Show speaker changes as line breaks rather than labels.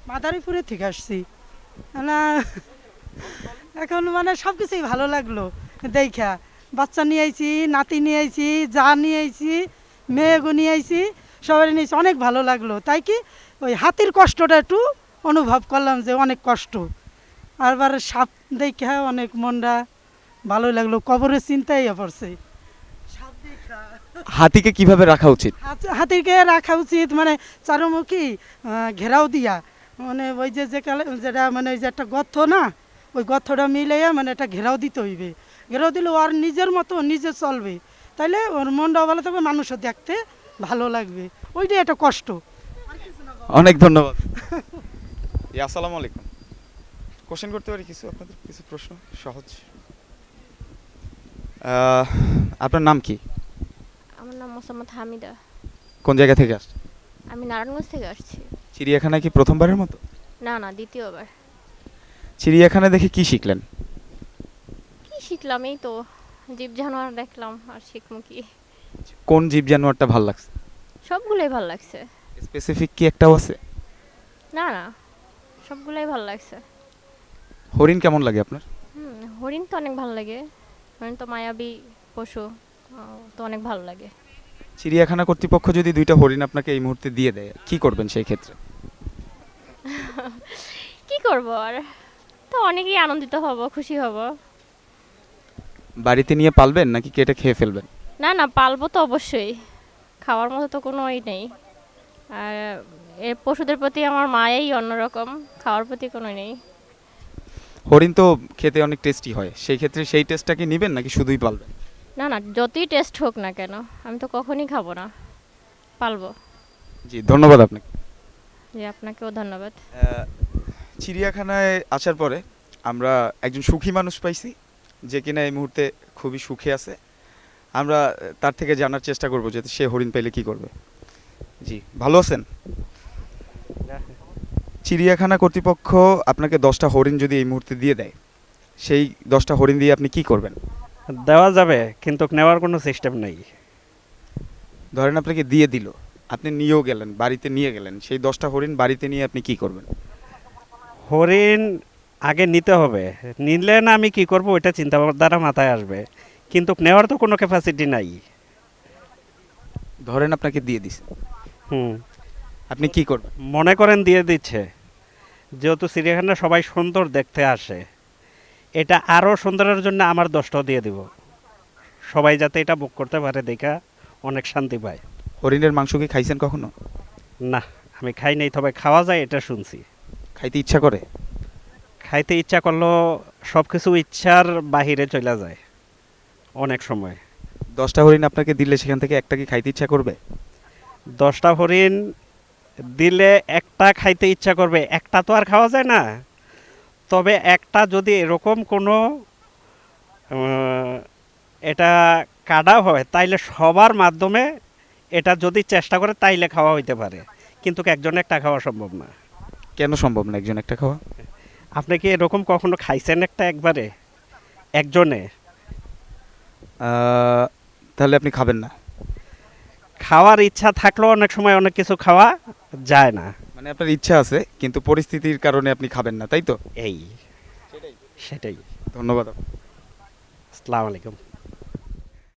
মাদারীপুরে থেকে আসছি না। এখন মানে সব কিছুই ভালো লাগলো দেখা। বাচ্চা নিয়ে আইছি, নাতি নিয়ে আইছি, যা নিয়ে আইছি, মেয়েগো নিয়ে আইছি, সবাই নিয়েছি, অনেক ভালো লাগলো। তাই কি ওই হাতির কষ্টটা একটু অনুভব করলাম যে অনেক কষ্ট। আরবার সাপ দেখা অনেক মনটা ভালো লাগলো, কবরের চিন্তাই পড়ছে সাপ দেখা।
হাতিকে কিভাবে রাখা উচিত?
হাতিকে রাখা উচিত মানে চারুমুখী ঘেরাও দিয়া, মানে ওই যেটা মানে ওই যে একটা গর্ত না, ওই গর্তটা মিলাইয়া মানে একটা ঘেরাও দিতে হইবে। ঘেরাও দিলে ওর নিজের মতো নিজে চলবে, তাইলে ওর মনটাও ভালো থাকবে, মানুষও দেখতে ভালো লাগবে। ওইটাই একটা কষ্ট।
অনেক ধন্যবাদ। আসসালামু আলাইকুম। কোশ্চেন করতে পারি কিছু, আপনাদের কিছু প্রশ্ন সহজ। আপনার নাম কি?
আমার নাম মোসাম্মদ হামিদা।
কোন জায়গা থেকে আসছেন?
আমি নারায়ণগঞ্জ থেকে আসছি।
চিড়িয়াখানায় কি প্রথমবারের মতো?
না না, দ্বিতীয়বার।
চিড়িয়াখানা দেখে কি শিখলেন?
কি শিখলাম? এই তো জীব জানোয়ার দেখলাম, আর শিখবো কি?
কোন জীব জানোয়ারটা ভালো লাগছে?
সবগুলোই ভালো লাগছে।
স্পেসিফিক কি একটাও আছে?
না না, সবগুলোই ভালো লাগছে।
হরিণ কেমন লাগে আপনার?
হরিণ তো অনেক ভালো লাগে। হরিণ তো মায়াবী পশু, তো অনেক ভালো লাগে।
চিড়িয়াখানা কর্তৃপক্ষ যদি দুইটা হরিণ আপনাকে এই মুহূর্তে দিয়ে দেয়, কি করবেন সেই ক্ষেত্রে?
কি করব আর, তো অনেকেই আনন্দিত হব, খুশি হব।
বাড়িতে নিয়ে পালবেন নাকি কেটে খেয়ে ফেলবেন?
না না, পালবো তো অবশ্যই। খাওয়ার মতো তো কোনো নেই। আর এর পশুদের প্রতি আমার মায়াই অন্যরকম, খাওয়ার প্রতি কোনো নেই।
হরিণ তো খেতে অনেক টেস্টি হয়, সেই ক্ষেত্রে সেই টেস্টটা কি নেবেন নাকি শুধুই পালবেন?
না না, যতই টেস্ট হোক না কেন, আমি তো কখনই খাবো না, পালবো।
জি, ধন্যবাদ আপনাকে।
জি, আপনাকেও ধন্যবাদ।
চিড়িয়াখানায় আসার পরে আমরা একজন সুখী মানুষ পাইছি, যে কিনা এই মুহূর্তে খুবই সুখে আছে। আমরা তার থেকে জানার চেষ্টা করব যে সে হরিণ পেলে কি করবে। জি, ভালো আছেন? চিড়িয়াখানা কর্তৃপক্ষ আপনাকে 10টা হরিণ যদি এই মুহূর্তে দিয়ে দেয়, সেই 10টা হরিণ দিয়ে আপনি কি করবেন?
দেওয়া যাবে, কিন্তু নেওয়ার কোনো সিস্টেম নেই।
ধরেন আপনাকে দিয়ে দিল, আপনি নিয়েও গেলেন, বাড়িতে নিয়ে গেলেন, সেই 10টা হরিণ বাড়িতে নিয়ে আপনি কি করবেন?
হরিণ আগে নিতে হবে, নিলে না আমি কি করব ওইটা চিন্তা দ্বারা মাথায় আসবে, কিন্তু নেওয়ার তো কোনো ক্যাপাসিটি নাই।
ধরেন আপনাকে দিয়ে দিছে,
হুম।
আপনি কি করবেন?
মনে করেন দিয়ে দিচ্ছে, যেহেতু চিড়িয়াখানা সবাই সুন্দর দেখতে আসে, এটা আরও সুন্দরের জন্য আমার 10টাও দিয়ে দিব, সবাই যাতে এটা বুক করতে পারে, দেখা অনেক শান্তি পায়।
হরিণের মাংস কি খাইছেন কখনো?
না, আমি খাই নাই, তবে খাওয়া যায় এটা শুনছি।
খাইতে ইচ্ছা করে?
খাইতে ইচ্ছা করলেও সব কিছু ইচ্ছার বাহিরে চলে যায় অনেক সময়।
10টা হরিণ আপনাকে দিলে সেখান থেকে একটা কি খাইতে ইচ্ছা করবে?
10টা হরিণ দিলে একটা খাইতে ইচ্ছা করবে, একটা তো আর খাওয়া যায় না। তবে একটা যদি এরকম কোনো এটা কাটা হয়, তাইলে সবার মাধ্যমে এটা যদি চেষ্টা করে তাইলে খাওয়া হইতে পারে, কিন্তু একজনে একটা খাওয়া সম্ভব না।
কেন সম্ভব না একজন একটা খাওয়া?
আপনি কি এরকম কখনো খাইছেন একটা একবারে একজনে?
তাহলে আপনি খাবেন না?
খাওয়ার ইচ্ছা থাকলেও অনেক সময় অনেক কিছু খাওয়া যায় না।
মানে আপনার ইচ্ছা আছে কিন্তু পরিস্থিতির কারণে আপনি খাবেন না, তাই তো?
এই সেটাই।
ধন্যবাদ।
আসসালামু আলাইকুম।